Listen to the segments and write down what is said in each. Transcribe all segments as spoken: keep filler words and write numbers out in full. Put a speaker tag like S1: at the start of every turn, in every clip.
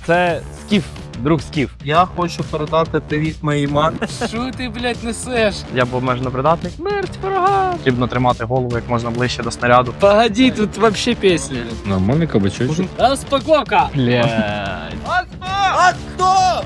S1: це Скіф, друг Скіф.
S2: Я хочу передати привіт моїй мамі.
S1: Що ти, блядь, несеш?
S2: Я був обмежено придатний.
S1: Смерть ворога!
S2: Потрібно тримати голову як можна ближче до снаряду.
S1: Погоди, тут вообще песня.
S3: Нормальный кабачочек.
S1: Розпаковка! Блядь.
S2: А хто?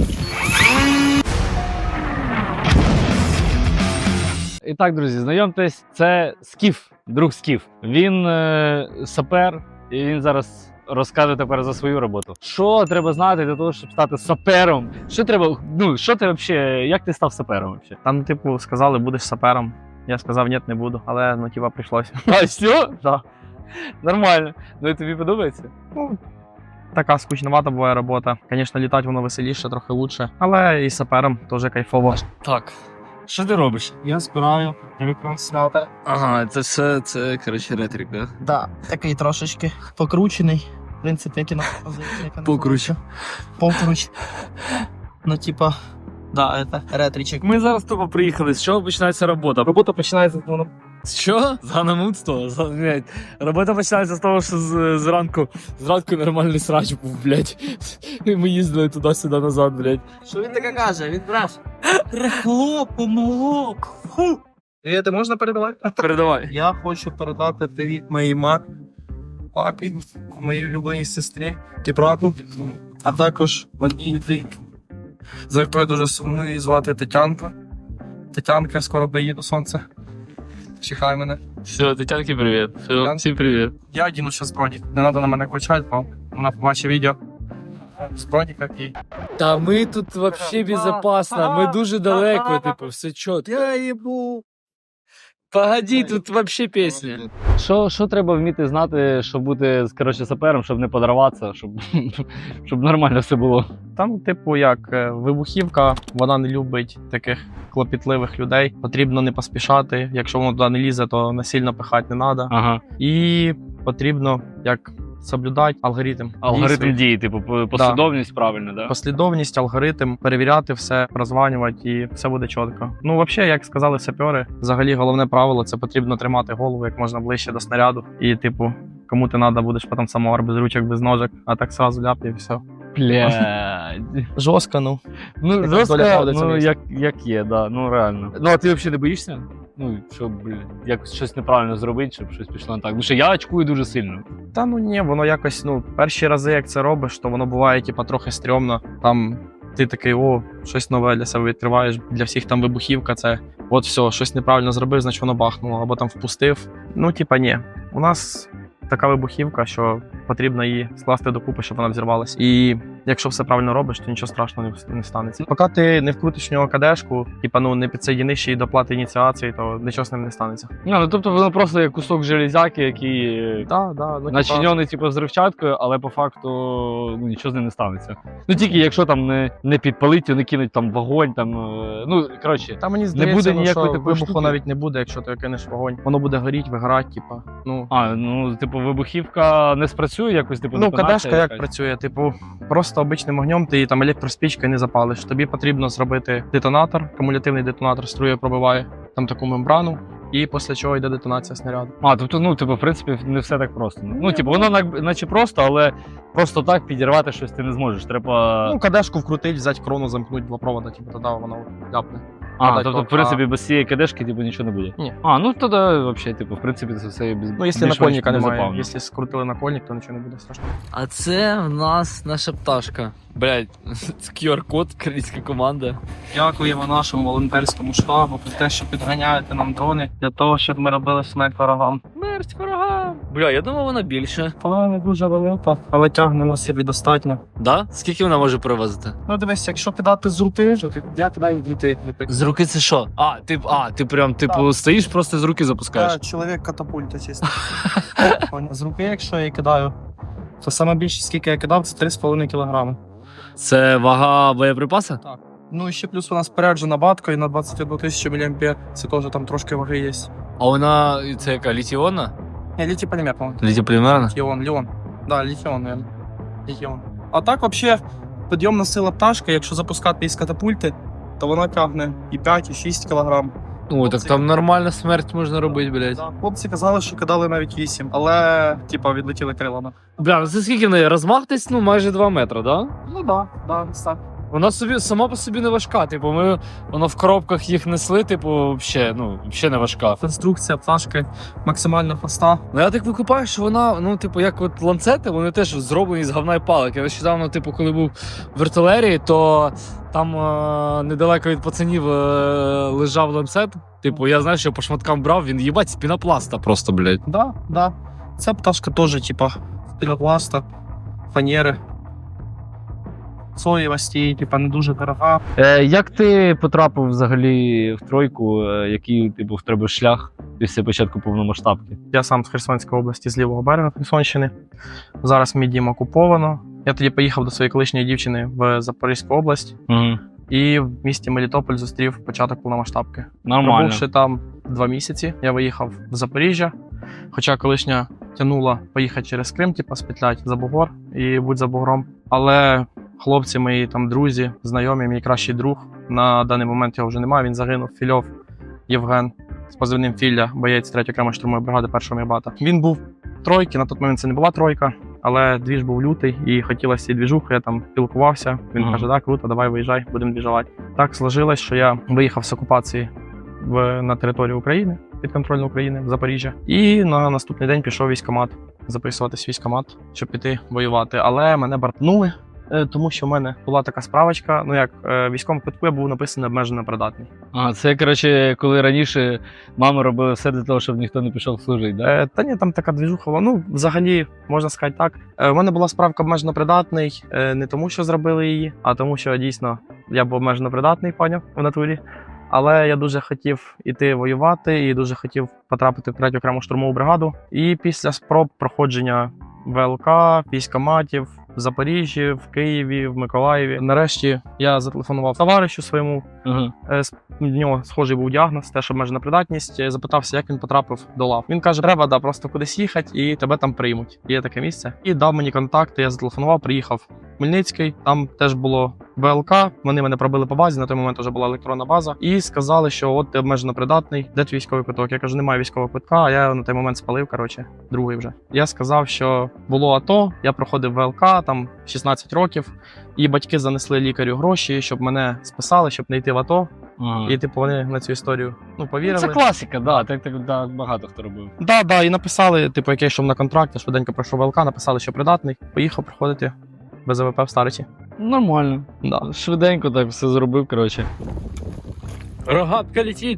S1: І так, друзі, знайомтесь, це Скіф, друг Скіф. Він е, сапер, і він зараз розкаже тепер за свою роботу. Що треба знати для того, щоб стати сапером? Що треба, ну, що ти взагалі, як ти став сапером взагалі?
S2: Там, типу, сказали, будеш сапером. Я сказав, ні, не буду, але ну типа прийшлося.
S1: А, все?
S2: Да.
S1: Нормально. Ну і тобі подобається?
S2: Ну, така скучновата буває робота. Звісно, літати воно веселіше, трохи лучше. Але і сапером теж кайфово.
S1: Так. Що ти робиш?
S2: Я збираю ретранслятор.
S1: Ага, це все, це, коротше, ретрик, да?
S2: Да, такий трошечки покручений. В принципі, як і на
S1: Покруч.
S2: Покруч. Ну, типа, да, это ретричек.
S1: Ми зараз тупо приїхали. З чого починається робота?
S2: Робота починається з воно.
S1: З чого? З ганамутства? З- блядь. Робота починається з того, що з, зранку, зранку нормальний срач був, блядь. І ми їздили туди-сюди назад, блядь.
S2: Що він таке каже? Він брав. Рехло, помилок. Фу. Привіт, можна передавати?
S1: Передавай.
S2: Я хочу передати привіт моїй мамі, папі, моїй улюбленій сестрі і брату, а також одній людині, за якою дуже сумую, її звати Тетянка. Тетянка, скоро приїду, сонце. Чекай мене.
S1: Все, Тетянки, привіт. Все,
S2: Тетянки.
S1: всім привіт.
S2: Я одіну ще зброні. Не треба на мене кричати, бо вона побачить відео. Зброні які.
S1: Та ми тут вообще безопасно, ми дуже далеко, типу, все чітко.
S2: Я їбу.
S1: Погоди, тут вообще пісня. Що, що треба вміти знати, щоб бути, коротше, сапером, щоб не подорватися, щоб, щоб нормально все було?
S2: Там, типу, як е, вибухівка, вона не любить таких клопітливих людей. Потрібно не поспішати. Якщо воно туди не лізе, то насильно пихати не треба.
S1: Ага.
S2: І потрібно як соблюдати алгоритм.
S1: Алгоритм
S2: дій
S1: дії, типу, по- послідовність правильно, да?
S2: Послідовність, алгоритм, перевіряти все, прозванювати і все буде чітко. Ну, взагалі, як сказали сапери, взагалі головне правило це потрібно тримати голову як можна ближче до снаряду. І, типу, кому ти треба, будеш потім самовар без ручок, без ножок, а так сразу ляп і все.
S1: Блядь.
S2: Жорстко, ну.
S1: Ну,
S2: Яка
S1: жорстко,
S2: доля правди в
S1: ну,
S2: цьому
S1: як, як є, да, ну реально. Ну, а ти взагалі не боїшся? Ну, щоб, блін, якось щось неправильно зробити, щоб щось пішло не так. Ну, що я очкую дуже сильно.
S2: Та ну ні, воно якось, ну, перші рази, як це робиш, то воно буває, типа, трохи стрьомно. Там ти такий, о, щось нове для себе відкриваєш. Для всіх там вибухівка, це от все, щось неправильно зробив, значить воно бахнуло, або там впустив. Ну, типа, ні. У нас така вибухівка, що потрібно її скласти докупи, щоб вона взірвалась. І якщо все правильно робиш, то нічого страшного не, не станеться. Поки ти не вкрутиш в нього кадешку, типа, ну, не підсоєдиниш її до плати ініціації, то нічого з ним не станеться.
S1: Ну, ну, тобто воно просто як кусок железяки, який
S2: Да, да, ну, типа,
S1: начинений, типу, взривчаткою, але по факту ну, нічого з ним не станеться. Ну, тільки якщо там не, не підпалить, не кинуть там вогонь, там, е, ну, коротше.
S2: Та мені здається,
S1: буде
S2: ну,
S1: ніякої
S2: що
S1: такої
S2: вибуху
S1: штуки.
S2: навіть не буде, якщо ти кинеш вогонь. Воно буде горіти, вигорати, типа. Ну,
S1: А, ну, типу, вибухівка не спрацює якось, типу,
S2: ну
S1: детонація
S2: кадешка як
S1: якась?
S2: працює? Типу, просто обичним огнем ти там електроспічкою не запалиш. Тобі потрібно зробити детонатор, кумулятивний детонатор струє пробиває там таку мембрану, і після чого йде детонація снаряду.
S1: А, тобто, ну, типу, в принципі, не все так просто. Ну, типу, воно на- наче просто, але просто так підірвати щось ти не зможеш. Треба.
S2: Ну, кадешку вкрутить, взяти крону, замкнути два провода, типу, тоді воно ляпне.
S1: а,
S2: так,
S1: тобто,
S2: то-
S1: в принципі, без цієї кадешки, типу, нічого не буде.
S2: Ні.
S1: А, ну тоді, взагалі, типу, в принципі, це все без.
S2: Ну, якщо
S1: більш-менш
S2: накольника немає,
S1: безопасно.
S2: якщо скрутили накольник, то нічого не буде страшного.
S4: А це в нас наша пташка.
S1: Блядь, це кю ар-код, українська команда.
S2: Дякуємо нашому волонтерському штабу за те, що підганяєте нам дрони для того, щоб ми робили смерть ворогам.
S1: Смерть ворогам.
S4: Бля, я думав, вона більше.
S2: Вона не дуже велика, але тягне на собі достатньо.
S4: Да? Скільки вона може перевозити?
S2: Ну дивись, якщо кидати з руки, то ти я кидаю дітей.
S4: З руки це що?
S1: А, ти, а, ти прям, типу, стоїш, просто з руки запускаєш.
S2: Чоловік катапульта, чесно. З руки, якщо я кидаю, то саме більше, скільки я кидав, це три з половиною кілограми.
S1: Це вага боєприпаса?
S2: Ну і ще плюс у нас споряджена баткою на двадцять одну тисячу міліампер, це теж там трошки ваги є.
S1: А вона, це яка, літіонна?
S2: Не, літій-полімер, по-моєму.
S1: Літіополімерна?
S2: Ліон, Ліон. Да, літіон, наверное. Літіон. А так, взагалі, підйомна сила пташки, якщо запускати із катапульти, то вона тягне і п'ять, і шість кілограм.
S4: О, так там нормальна смерть можна робити, блядь.
S2: Да, хлопці казали, що кидали навіть вісім, але типа відлетіли крилами.
S3: Бля, ну це скільки в неї? Розмах десь, ну, майже два метри, да?
S2: Ну да, да, так.
S3: Вона собі сама по собі не важка. Типу, ми воно в коробках їх несли, типу, взагалі, ну, взагалі не важка.
S2: Конструкція пташки максимально проста.
S3: Ну я так викупаю, що вона, ну, типу, як от ланцети, вони теж зроблені з говна і палок. Я нещодавно, типу, коли був в артилерії, то там е- недалеко від пацанів е- лежав ланцет. Типу, я знаю, що по шматкам брав, він їбать з пінопласта просто, блядь.
S2: Да, да. Ця пташка теж, типа, пінопласта, фанери. Соєвості, типа, не дуже дорога.
S1: Е, як ти потрапив взагалі в тройку? Е, який типу, в тебе шлях після початку повномасштабки?
S2: Я сам з Херсонської області, з лівого берега Херсонщини. Зараз мій дім окуповано. Я тоді поїхав до своєї колишньої дівчини в Запорізьку область
S1: Угу.
S2: і в місті Мелітополь зустрів початок повномасштабки.
S1: Нормально.
S2: Пробувши там два місяці, я виїхав в Запоріжжя. Хоча колишня тянула поїхати через Крим, типу, спетлять за бугор і будь за бугром. Але хлопці мої, там, друзі, знайомі, мій кращий друг, на даний момент його вже немає, він загинув. Фільов Євген з позивним Філля, боєць третьої окремої штурмової бригади першого мігбата. Він був тройки, на той момент це не була тройка, але двіж був лютий і хотілося цієї двіжухи, я там спілкувався. Він
S1: Ага.
S2: каже, так, круто, давай виїжджай, будемо двіжувати. Так сложилось, що я виїхав з окупації в, на територію України, підконтрольну України, в Запоріжжя. І на наступний день пішов в військкомат, записуватись в військкомат, щоб піти воювати. Але мене бартнули, е, тому що в мене була така справочка, ну як е, в військовому квитку я був написаний обмежено придатний.
S1: А, це, коротше, коли раніше мами робили все для того, щоб ніхто не пішов служити, да?
S2: Е, та ні, там така двіжуха, була. Ну, взагалі, можна сказати так. Е, в мене була справка обмежено придатний, е, не тому, що зробили її, а тому, що дійсно я був обмежено придатний, поняв, в натурі. Але я дуже хотів іти воювати і дуже хотів потрапити в третю окрему штурмову бригаду. І після спроб проходження ВЛК, військкоматів в Запоріжжі, в Києві, в Миколаєві. Нарешті я зателефонував товаришу своєму.
S1: Угу.
S2: Е, з- В нього схожий був діагноз, теж обмежена придатність. Е, Запитався, як він потрапив до лав. Він каже, треба да, просто кудись їхати і тебе там приймуть. Є таке місце. І дав мені контакти, я зателефонував, приїхав в Хмельницький. Там теж було ВЛК. Вони мене пробили по базі, на той момент вже була електронна база. І сказали, що от ти обмежено придатний, де твій військовий квиток? Я кажу, немає військового квитка, а я на той момент спалив, коротше, другий вже. Я сказав, що було АТО, я проходив ВЛК, там шістнадцять років, і батьки занесли лікарю гроші, щоб мене списали, щоб не йти в АТО.
S1: Ага.
S2: І типу вони на цю історію ну
S1: Ну,
S2: повірили.
S1: це класика, да, так, так да, багато хто робив.
S2: Да, да, і написали, типу, як я йшов на контракт, я швиденько пройшов ВЛК, написали, що придатний. Поїхав проходити без АВП в Стариці.
S1: Нормально.
S2: Да.
S1: Швиденько так все зробив, коротше.
S3: Рогатка летить.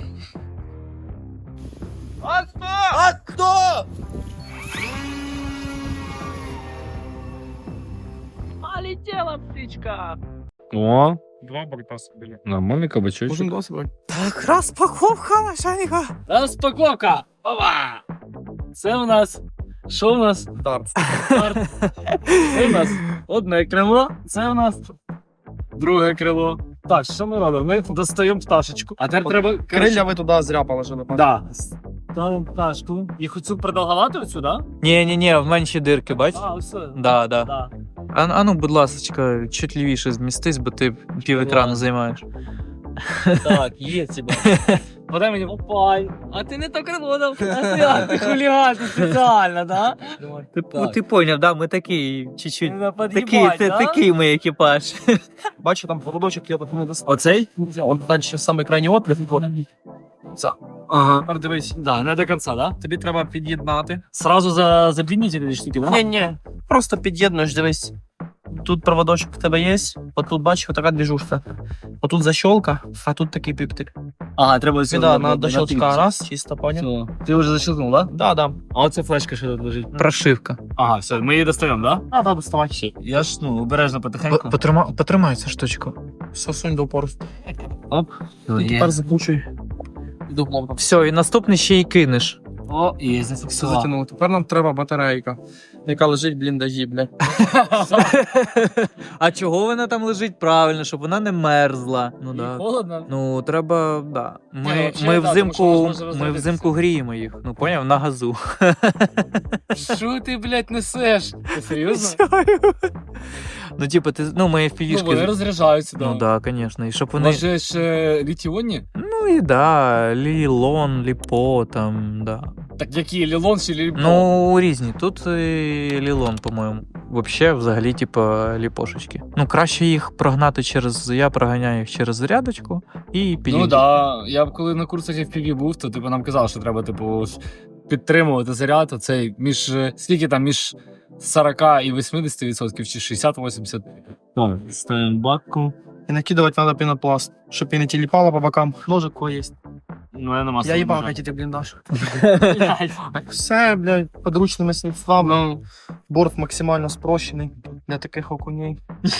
S4: Полетела птичка.
S3: О,
S2: Два борта собі.
S3: нормальний кабачочок.
S2: Кожен досвід.
S5: Так, распаковка начальника.
S3: Розпаковка! Опа! Це у нас. Що у нас?
S2: Дарт.
S3: Це у нас одне крило, це у нас друге крило. Так, що ми робимо? Ми достаємо пташечку. А тепер треба.
S2: Крилля ви туди зря положили. пане.
S3: Да. Ставимо пташку. І хочу продовгувати оцю, да?
S5: Ні-ні-ні, в менші дирки, бач?
S3: А, ось.
S5: Да, да.
S3: Да.
S5: А, а ну, будь ласочка, чуть лівіше змістись, бо ти пів екрану
S3: Ладно.
S5: займаєш.
S3: Так, є тебе. Подай мені. Опай. А ти не так крило дав. А ти, а ти хуліган, ти спеціально, да?
S5: Ти,
S3: Так.
S5: ти поняв, да, ми такі, чуть-чуть.
S3: На
S5: Такий,
S3: під'їбать,
S5: ти,
S3: да?
S5: такий ми екіпаж.
S2: Бачу, там поводочок я так не достав.
S3: Оцей?
S2: Он далі самий крайній отвір. Це.
S3: Ага.
S2: Тепер дивись.
S3: Да, не до кінця, да?
S2: Тобі треба під'єднати.
S3: Сразу за забліднітелі штуки, да?
S2: Ні-ні. Просто під'єднуєш, дивись. Тут проводочок в тебе є, отут бачиш, отака двіжушка. Отут защолка, а тут такий пиптик.
S3: Ага, треба
S2: Сюди на до щелчка раз, чисто поняв.
S3: Все. Ти вже защелкнув, да?
S2: Да, да.
S3: А оце флешка ще тут лежить.
S5: Прошивка.
S3: Ага, все, ми її достаємо, да?
S2: А, да, доставай.
S3: Я ж, ну, обережно потихеньку.
S5: Потримай, потримай цю штучку.
S2: Все, сунь до упору.
S3: Оп.
S2: І тепер закручуй. І дуплом там.
S5: Все, і наступний ще й кинеш.
S3: О, є,
S2: Все
S3: зафіксував.
S2: затягнуло. Тепер нам треба батарейка, яка лежить в бліндажі, блядь.
S5: А чого вона там лежить правильно, щоб вона не мерзла? Ну
S3: І
S5: да.
S3: холодно.
S5: Ну, треба, да.
S3: Ні,
S5: Ми,
S3: вообще,
S5: ми
S3: да, тому
S5: взимку,
S3: що можна
S5: ми
S3: розрядитися.
S5: взимку гріємо їх. Ну, поняв, на газу.
S3: Що ти, блядь, несеш? Ти серйозно?
S5: Ну, типу, ти, ну, ми
S3: Ну, вони
S5: впівішки.
S3: розряджаються, да.
S5: Ну, да, звісно. І щоб вони.
S3: Може ще літіонні?
S5: Ну, Ну і да, Лілон, Ліпо, там, да.
S3: Так які Лілон чи Ліліпо?
S5: Ну, різні. Тут і Лілон, по-моєму. Вообще, взагалі, типа, ліпошечки. Ну, краще їх прогнати через. Я проганяю їх через зарядочку і підійду.
S3: Ну да, я б коли на курсах еф пі ві був, то типу нам казали, що треба типу ж підтримувати заряд. Оцей між е, скільки там між сорок і вісімдесят відсотків чи шістдесят-вісімдесят.
S1: Так, ставимо бакку.
S2: І накидувати треба пінопласт, щоб і не тіліпало по бокам. Ножик кого є.
S1: Ну, я нема
S2: Я їбав ти бліндаж. Все, блядь, подручними средствами. Борт максимально спрощений для таких окуней.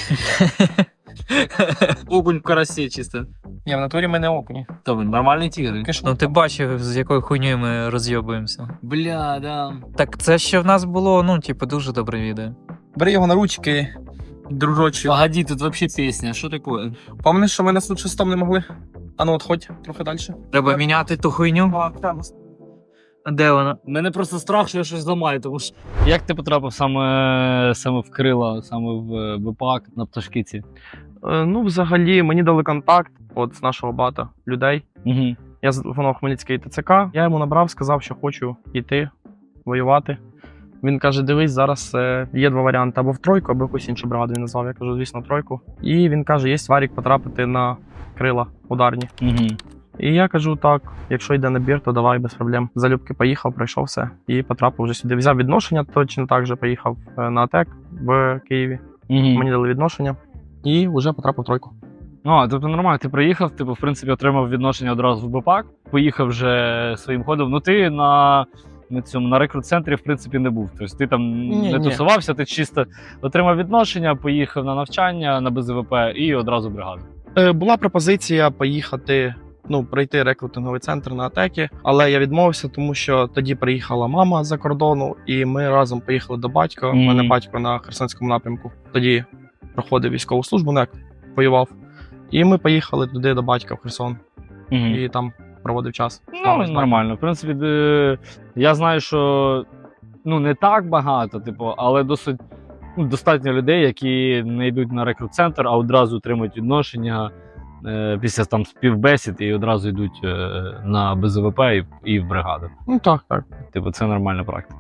S3: Окунь в карасі чисто.
S2: Ні, в натурі ми не окуні.
S3: То він нормальний тігр.
S5: Ну, ти бачив, з якою хуйньою ми розйобуємося.
S3: Бля, да.
S5: Так це ще в нас було, ну, типу, дуже добре відео.
S2: Бери його на ручки, дружочі.
S3: Погоди, тут вообще пісня, що таке?
S2: Пам'ятаєш, що ми на суд шестом не могли? А ну, отходь трохи далі.
S5: Треба міняти ту хуйню. Де вона?
S3: У мене просто страх, що я щось зламаю, тому що
S1: Як ти потрапив саме, саме в крила, саме в БПАК на пташкиці?
S2: Е, ну, взагалі, мені дали контакт от, з нашого бата людей.
S1: Угу.
S2: Я зателефонував Хмельницький ТЦК. Я йому набрав, сказав, що хочу йти воювати. Він каже: дивись, зараз е, є два варіанти: або в тройку, або в якусь іншу бригаду він назвав. Я кажу, звісно, тройку. І він каже, є варік потрапити на крила ударні.
S1: Угу.
S2: І я кажу, так, якщо йде набір, то давай без проблем. Залюбки поїхав, пройшов все і потрапив вже сюди. Взяв відношення, точно так же поїхав е, на АТЕК в Києві.
S1: Угу.
S2: Мені дали відношення і вже потрапив в тройку.
S1: Ну, тобто нормально, ти приїхав, типу, в принципі, отримав відношення одразу в БПАК, поїхав вже своїм ходом. Ну, ти на, на цьому на рекрут-центрі, в принципі, не був. Тобто ти там
S2: Ні,
S1: не
S2: ні.
S1: тусувався, ти чисто отримав відношення, поїхав на навчання на БЗВП і одразу в бригаду.
S2: Е, була пропозиція поїхати, ну, пройти рекрутинговий центр на АТЕКі, але я відмовився, тому що тоді приїхала мама з-за кордону, і ми разом поїхали до батька. У
S1: Мгм.
S2: мене батько на Херсонському напрямку. Тоді проходив військову службу, ну, як воював. І ми поїхали туди до батька в Херсон
S1: Угу.
S2: і там проводив час.
S1: Ну, нормально. В принципі, де- я знаю, що ну, не так багато, типу, але досить ну, достатньо людей, які не йдуть на рекрут-центр, а одразу отримують відношення е, після там співбесід і одразу йдуть е, на БЗВП і, і в бригаду.
S2: Ну так, так.
S1: Типу, це нормальна практика.